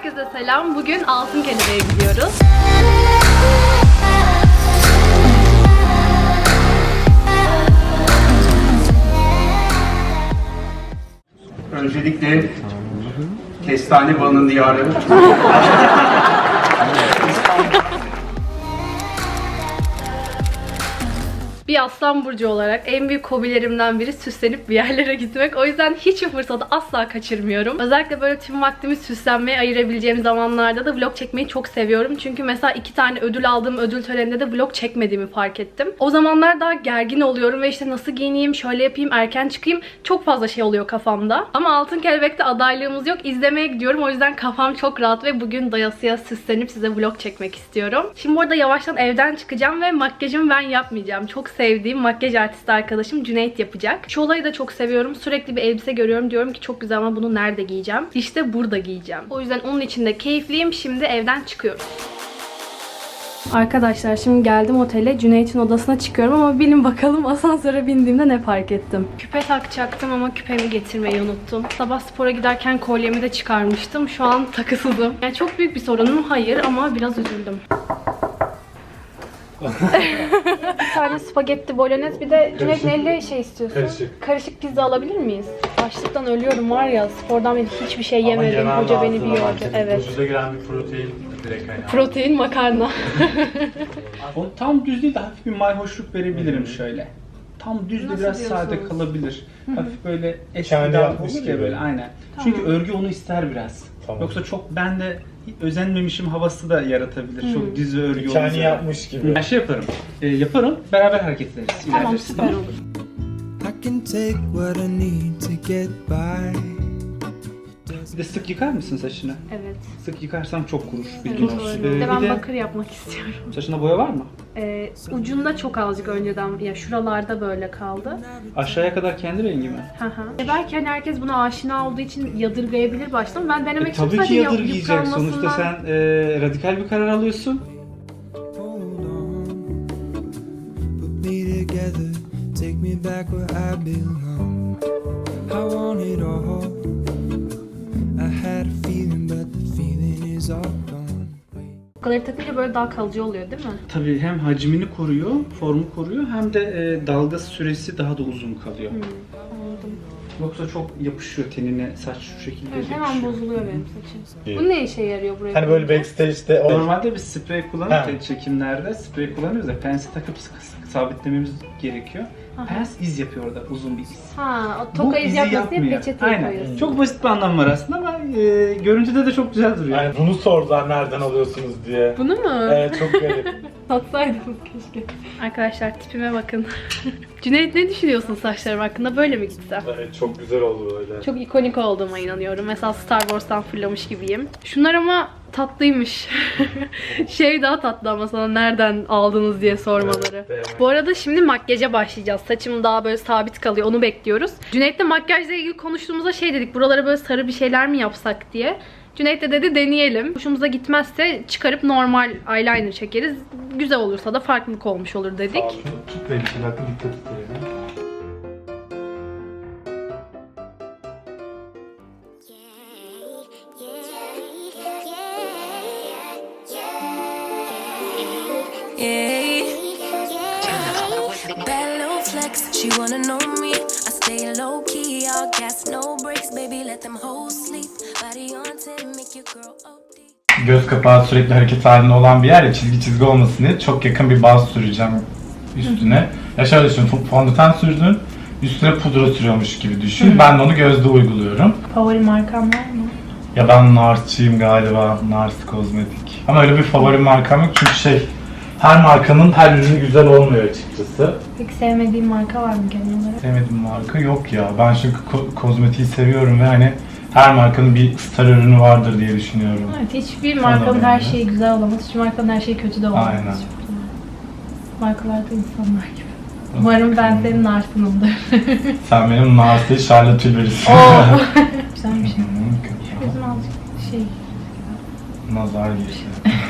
Herkese selam. Bugün Altın Kelebeğe gidiyoruz. Öncelikle Kestane Balının diyarı. Bir aslan burcu olarak en büyük hobilerimden biri süslenip bir yerlere gitmek. O yüzden hiçbir fırsatı asla kaçırmıyorum. Özellikle böyle tüm vaktimi süslenmeye ayırabileceğim zamanlarda da vlog çekmeyi çok seviyorum. Çünkü mesela 2 tane ödül aldığım ödül töreninde de vlog çekmediğimi fark ettim. O zamanlar daha gergin oluyorum ve işte nasıl giyineyim, şöyle yapayım, erken çıkayım. Çok fazla şey oluyor kafamda. Ama Altın Kelebek'te adaylığımız yok. İzlemeye gidiyorum. O yüzden kafam çok rahat ve bugün doyasıya süslenip size vlog çekmek istiyorum. Şimdi burada yavaştan evden çıkacağım ve makyajımı ben yapmayacağım. Çok sevdiğim makyaj artisti arkadaşım Cüneyt yapacak. Şu olayı da çok seviyorum. Sürekli bir elbise görüyorum. Diyorum ki çok güzel ama bunu nerede giyeceğim? İşte burada giyeceğim. O yüzden onun için de keyifliyim. Şimdi evden çıkıyoruz. Arkadaşlar şimdi geldim otele. Cüneyt'in odasına çıkıyorum ama bilin bakalım asansöre bindiğimde ne fark ettim. Küpe takacaktım ama küpemi getirmeyi unuttum. Sabah spora giderken kolyemi de çıkarmıştım. Şu an takısızım. Yani çok büyük bir sorunum hayır ama biraz üzüldüm. Bir tane spagetti bolognese, bir de Cüneyt neyle şey istiyorsun? Karışık pizza alabilir miyiz? Açlıktan ölüyorum var ya, spordan beri hiçbir şey yemedim. Hoca beni bir yordu. Evet. Vücuda giren bir protein direkt kaynağı. Protein makarna. O tam düz değil de hafif bir mayhoşluk verebilirim şöyle. Tam düz de Nasıl biraz diyorsunuz? sade kalabilir. Hafif böyle Kendi eskiden yapmış olur ya gibi. böyle aynen. Tamam. Çünkü örgü onu ister biraz. Tamam. Yoksa çok ben de özenmemişim havası da yaratabilir. Çok düz ve örgü Kendi olursa. yapmış gibi. Ben şey yaparım. Yaparım. Beraber hareket ederiz. Tamam, ilerleriz. süper olur. I can take what I need to get by. Bir de sık yıkar mısın saçını? Evet. Sık yıkarsam çok kurur. Bilgin Evet, olsun. doğru. Bir de ben bir de bakır yapmak istiyorum. saçında boya var mı? Ucunda çok azıcık önceden, ya şuralarda böyle kaldı. Aşağıya kadar kendi rengi mi? Belki hani herkes buna aşina olduğu için yadırgayabilir başta ama ben denemek için Tabii ki sadece yadırgayacak. Sonuçta yıpranmasından- sen radikal bir karar alıyorsun. Hold on, put me together, take me back where I belong. I want it all. I had a feeling, but the feeling is all gone. Bu kadar takınca böyle daha kalıcı oluyor değil mi? Tabii hem hacmini koruyor, formu koruyor hem de dalga süresi daha da uzun kalıyor. Anladım. Yoksa çok yapışıyor tenine, saç şu şekilde Evet, hemen yapışıyor. bozuluyor benim saçım. İyi. Bu ne işe yarıyor buraya? Hani böyle backstage'de o Normalde biz sprey kullanırken Ha. çekimlerde sprey kullanıyoruz da pensi takıp sabitlememiz gerekiyor. Pens iz yapıyor orada, uzun bir iz. Ha, o Bu toka iz izi yapması diye yapmıyor. peçeteye Aynen. koyuyorsun. Çok basit bir anlam var aslında ama görüntüde de çok güzel duruyor. yani bunu sordular nereden alıyorsunuz diye. Bunu mu? Evet çok garip. Satsaydınız keşke. Arkadaşlar tipime bakın. Cüneyt ne düşünüyorsun saçlarım hakkında? Böyle mi gitsem? Evet çok güzel oldu böyle. Çok ikonik olduğuma inanıyorum. Mesela Star Wars'tan fırlamış gibiyim. Şunlar ama tatlıymış. Şey daha tatlı ama sana nereden aldınız diye sormaları. Evet. Bu arada şimdi makyaja başlayacağız. Saçım daha böyle sabit kalıyor. Onu bekliyoruz. Cüneyt'le makyajla ilgili konuştuğumuzda şey dedik. Buralara böyle sarı bir şeyler mi yapsak diye. Cüneyt de dedi deneyelim. Hoşumuza gitmezse çıkarıp normal eyeliner çekeriz. Güzel olursa da farklılık olmuş olur dedik. Tut beni bir dakika dikkat et yani. Yeah. Bad little flex, she wanna know me. I stay low key, all gas, no brakes, baby. Let them hoes sleep. Body on 10, make your girl OD. Göz kapağı sürekli hareket halinde olan bir yer ya, çizgi olmasın diye çok yakın bir baz süreceğim üstüne. Ya şöyle düşün, fondöten sürdün, üstüne pudra sürüyormuş gibi düşün. Ben de onu gözde uyguluyorum. Favori markam var mı? Ya ben Nars'çıyım galiba, Nars Kozmetik. Ama öyle bir favori markam yok çünkü her markanın her ürünü güzel olmuyor açıkçası. Peki sevmediğin marka var mı genel olarak? Sevmediğim marka yok ya. Ben çünkü kozmetiği seviyorum ve hani her markanın bir star ürünü vardır diye düşünüyorum. Evet, hiçbir markanın her şeyi güzel olamaz, hiçbir markanın her şeyi kötü de olamaz. Aynen. Markalarda insanlar gibi. Umarım ben senin Nars'ınımdır. Sen benim Nars'ı Charlotte Tilbury'sin. Güzel bir şey. Kötü. Gözüm azıcık şey. Nazar geçti.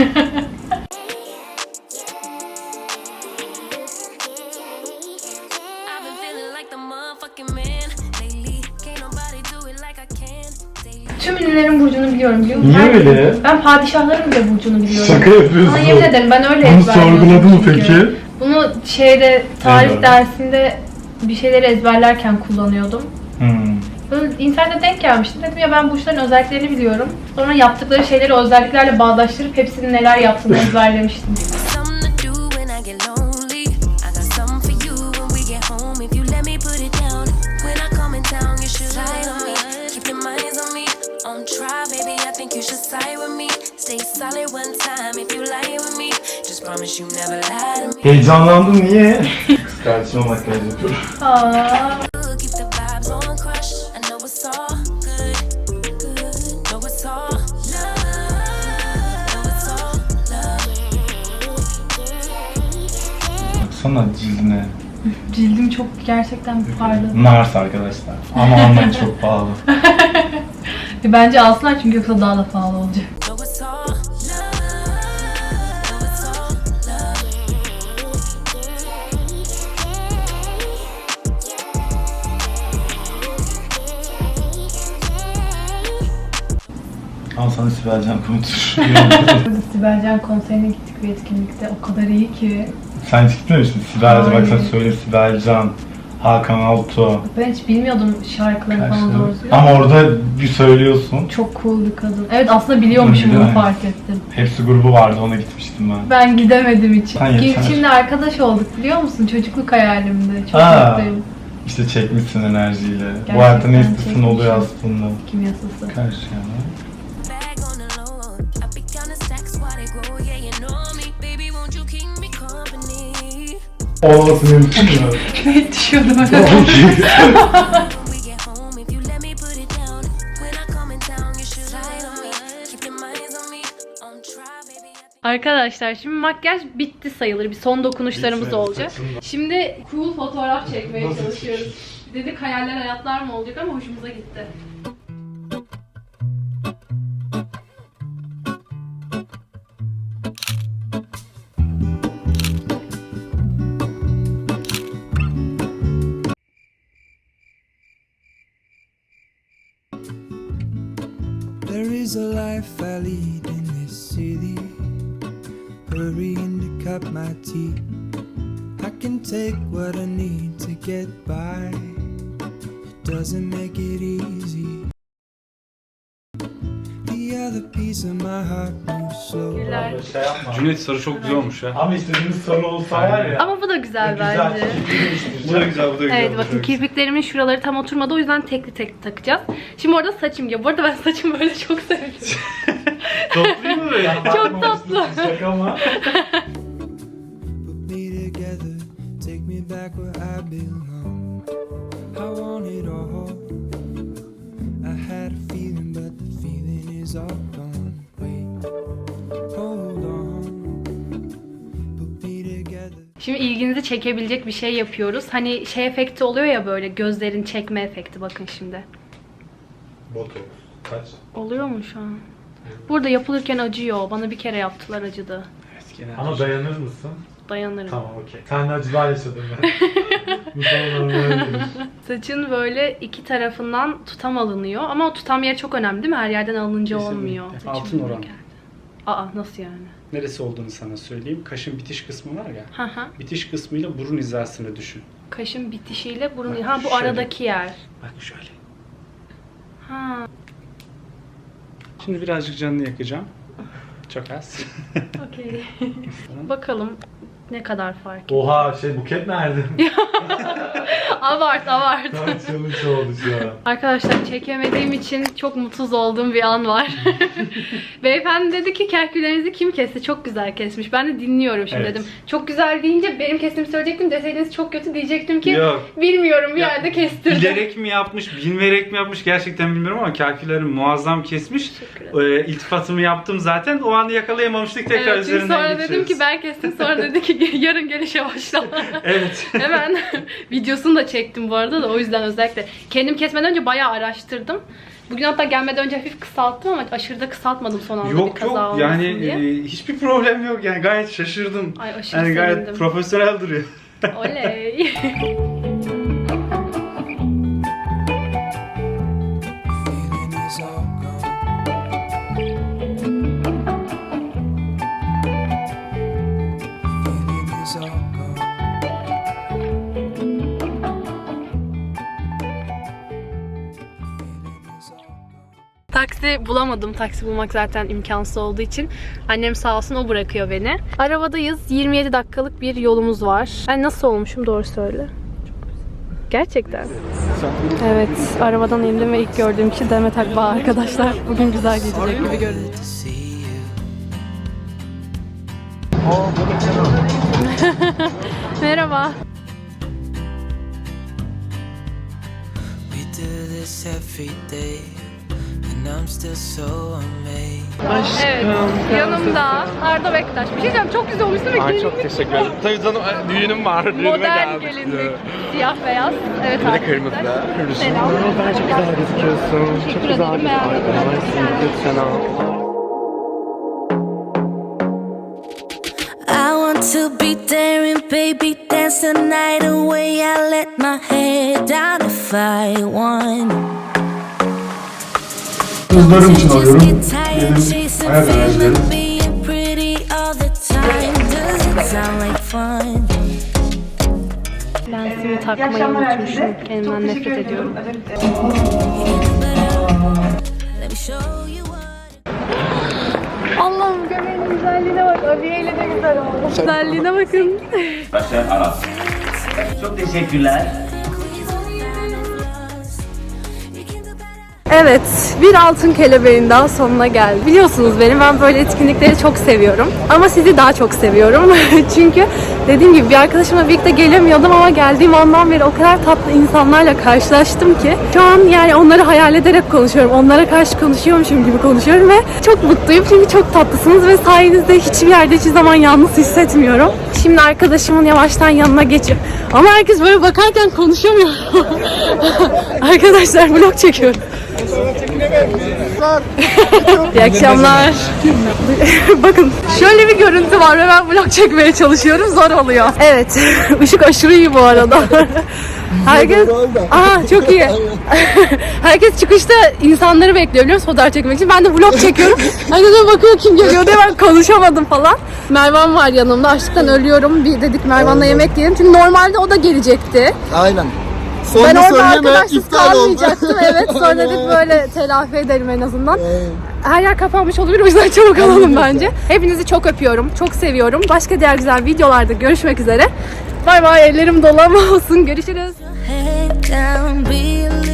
I've been feeling like the motherfucking man lately. Can't nobody do it like I can. Daily. Tüm ünlü annelerin burcunu biliyorum biliyor musun? Niye öyle? Ben padişahların bile burcunu biliyorum. Şaka yapıyorsun. Sana yemin ederim ben öyle Bunu ezberliyorum sorguladın mı çünkü. peki? Bunu tarih Evet. dersinde bir şeyleri ezberlerken kullanıyordum. Hmm. Böyle internette denk gelmiştim. Dedim ya ben burçların özelliklerini biliyorum. Sonra yaptıkları şeyleri özelliklerle bağdaştırıp hepsinin neler yaptığını ezberlemiştim. Something to do when I get lonely. I got something for you when we get home. If you let me put it down. When I come in town, you should slide on me. Keep your minds on me. On try, baby, I think you should side with me. Stay solid one time if you lie with me. Just promise you never lie to me. Heyecanlandım niye? Kız kardeşime makyaj yapıyorum. Aa, Keep the vibes on crush. I know it's all good, good. Know it's all love. Know it's all love. Baksana cildine. cildim çok gerçekten parladı. Nars arkadaşlar. Ama almayın çok pahalı. Bence alsınlar çünkü yoksa daha da pahalı olacak. Know it's all love. Know it's all Al sana Sibel Can Kumatur. Burada Sibel Can konserine gittik bir etkinlikte. O kadar iyi ki. Sen hiç gitmemiştin Sibel Can. Bak sen Hayır. söyle Sibel Can, Hakan Altuğ. Ben hiç bilmiyordum şarkılarını falan doğru düzgün. Ama orada bir söylüyorsun. Çok cool bir kadın. Evet aslında biliyormuşum Değil bunu mi? fark ettim. Hepsi grubu vardı ona gitmiştim ben. Ben gidemedim hiç. Sen yeter. Gülçin'le arkadaş olduk biliyor musun? Çocukluk hayalimdi. Çok Aa. mutluyum. İşte çekmişsin enerjiyle. Bu Gerçekten hayatta ne istesin çekmişim. oluyor aslında. Kim yasası? Karşı yana. bag on the low. I be counting stacks while they grow. Yeah, you know me, baby. Won't you keep me company? Olması mümkün mü? Ne düşüyordum öyle. When we get home, if you let me put it down. When I come in town, you should slide on me. Keep your minds on me. On try, baby. I think Arkadaşlar şimdi makyaj bitti sayılır. Bir son dokunuşlarımız Bitmedi, olacak. saçımda. Şimdi cool fotoğraf çekmeye Nasıl çalışıyoruz. Dedik hayaller hayatlar mı olacak ama hoşumuza gitti. There is a life I lead in this city, hurrying to cut my teeth. I can take what I need to get by. It doesn't make it easy. The other piece of my heart moves slow. Şey yapma. Cüneyt sarı çok güzel olmuş ya. Ama istediğimiz sarı olsa var ya. Ama bu da güzel güzel. bence. Bu da güzel, bu da güzel. Evet bu da bakın güzel. kirpiklerimin şuraları tam oturmadı o yüzden tekli tekli takacağız. Şimdi orada saçım gibi. Bu arada ben saçımı böyle çok seviyorum. Toplayayım mı böyle? Çok tatlı. Şaka ama. Put me together, take me back where I belong. I want it all. I had a feeling, but the feeling is all gone. Wait, hold on. Put me together. Şimdi ilginizi çekebilecek bir şey yapıyoruz. Hani şey efekti oluyor ya böyle gözlerin çekme efekti bakın şimdi. Botox. Kaç? Oluyor mu şu an? Burada yapılırken acıyor. Bana bir kere yaptılar acıdı. Evet, genel. Ama dayanır mısın? Dayanırım. Tamam okey. Sen de acılar yaşadın ben. Bu sana normal değil. Saçın böyle iki tarafından tutam alınıyor. Ama o tutam yeri çok önemli değil mi? Her yerden alınınca Kesinlikle. olmuyor. Saçım Altın böyle oran. geldi. Aa nasıl yani? Neresi olduğunu sana söyleyeyim. Kaşın bitiş kısmı var ya. Hı hı. Bitiş kısmıyla burun hizasını düşün. Kaşın bitişiyle burun... Bak, Ha bu şöyle. aradaki yer. Bak şöyle. Ha Şimdi birazcık canını yakacağım. Çok az. okey. Bakalım ne kadar fark ediyor. Oha Buket nerede? Kaç challenge oldu şu an. Arkadaşlar çekemediğim için çok mutsuz olduğum bir an var. Beyefendi dedi ki kerkülerinizi kim kesti? Çok güzel kesmiş. Ben de dinliyorum şimdi Evet. dedim. Çok güzel deyince benim kestiğimi söyleyecektim. Deseydiniz çok kötü diyecektim ki Yok. bilmiyorum bir Ya, yerde kestirdim. Bilerek mi yapmış, bilmeyerek mi yapmış gerçekten bilmiyorum ama kalkülleri muazzam kesmiş. Teşekkür ederim. İltifatımı yaptım zaten. O anı yakalayamamıştık. Tekrar Evet, çünkü üzerinden sonra geçiyoruz. dedim ki ben kestim. Sonra dedi ki yarın gelişe başla. Evet. Hemen videosunu da çektim bu arada da o yüzden özellikle. Kendim kesmeden önce bayağı araştırdım. Bugün hatta gelmeden önce hafif kısalttım ama aşırı da kısaltmadım son anda bir Yok kaza yok olmasın yani diye. Hiçbir problem yok yani gayet şaşırdım. Ay aşırı Yani gayet sevindim. profesyonel duruyor. Oley. Feeling is all gone. bulamadım. Taksi bulmak zaten imkansız olduğu için. Annem sağ olsun o bırakıyor beni. Arabadayız. 27 dakikalık bir yolumuz var. Ben nasıl olmuşum doğru söyle. Gerçekten. Evet, arabadan indim ve ilk gördüğüm kişi Demet Akbağ arkadaşlar. Bugün güzel geçecek gibi görünüyor. Merhaba. We do this every day, and I'm still so amazed. Evet, yanımda Arda Bektaş. Bir şey diyeceğim, çok güzel olmuşsun ve Ay çok teşekkür ederim. Tabii canım düğünüm var. Düğünüme modern geldik. gelinlik, siyah beyaz. Evet Bir de arkadaşlar. kırmızı. Selam. Ben çok güzel gözüküyorsun. Çok Teşekkür güzel ederim, beğendim. Lütfen al. I want to be there and baby dance the night away. I let my head down if I want. Kızlarım için Just alıyorum. get tired Benim chasing hayat fame enerjilerim. and being pretty all the time. Does it sound like fun? Lensimi takmayı unutmuşum. Kendimden nefret ediyorum. Let me show you what. Allah'ım göbeğinin güzelliğine bak. Abiyeyle de güzel oldu. Güzelliğine bakın. Çok teşekkürler. Evet, bir altın kelebeğin daha sonuna geldik. Biliyorsunuz ben böyle etkinlikleri çok seviyorum. Ama sizi daha çok seviyorum. Çünkü dediğim gibi bir arkadaşımla birlikte gelemiyordum ama geldiğim andan beri o kadar tatlı insanlarla karşılaştım ki şu an yani onları hayal ederek konuşuyorum. Onlara karşı konuşuyormuşum gibi konuşuyorum ve çok mutluyum çünkü çok tatlısınız ve sayenizde hiçbir yerde hiçbir zaman yalnız hissetmiyorum. Şimdi arkadaşımın yavaştan yanına geçip ama herkes böyle bakarken konuşamıyor. Arkadaşlar vlog çekiyorum. İyi akşamlar. Bakın şöyle bir görüntü var ve ben vlog çekmeye çalışıyorum. Zor oluyor. Evet. Işık aşırı iyi bu arada. Herkes... Aa çok iyi. Herkes çıkışta insanları bekliyor biliyor musun fotoğraf çekmek için. Ben de vlog çekiyorum. Herkes de bakıyor kim geliyor diye ben konuşamadım falan. Mervan var yanımda. Açlıktan ölüyorum. Bir dedik Mervan'la yemek yiyelim. Çünkü normalde o da gelecekti. Aynen. Ben orada arkadaşsız kalmayacaktım. Evet sonra dedik böyle telafi edelim en azından. Her yer kapanmış olabilir o yüzden çabuk alalım bence. Hepinizi çok öpüyorum. Çok seviyorum. Başka diğer güzel videolarda görüşmek üzere. Bay bay ellerim dolu ama olsun. Görüşürüz. Head down, be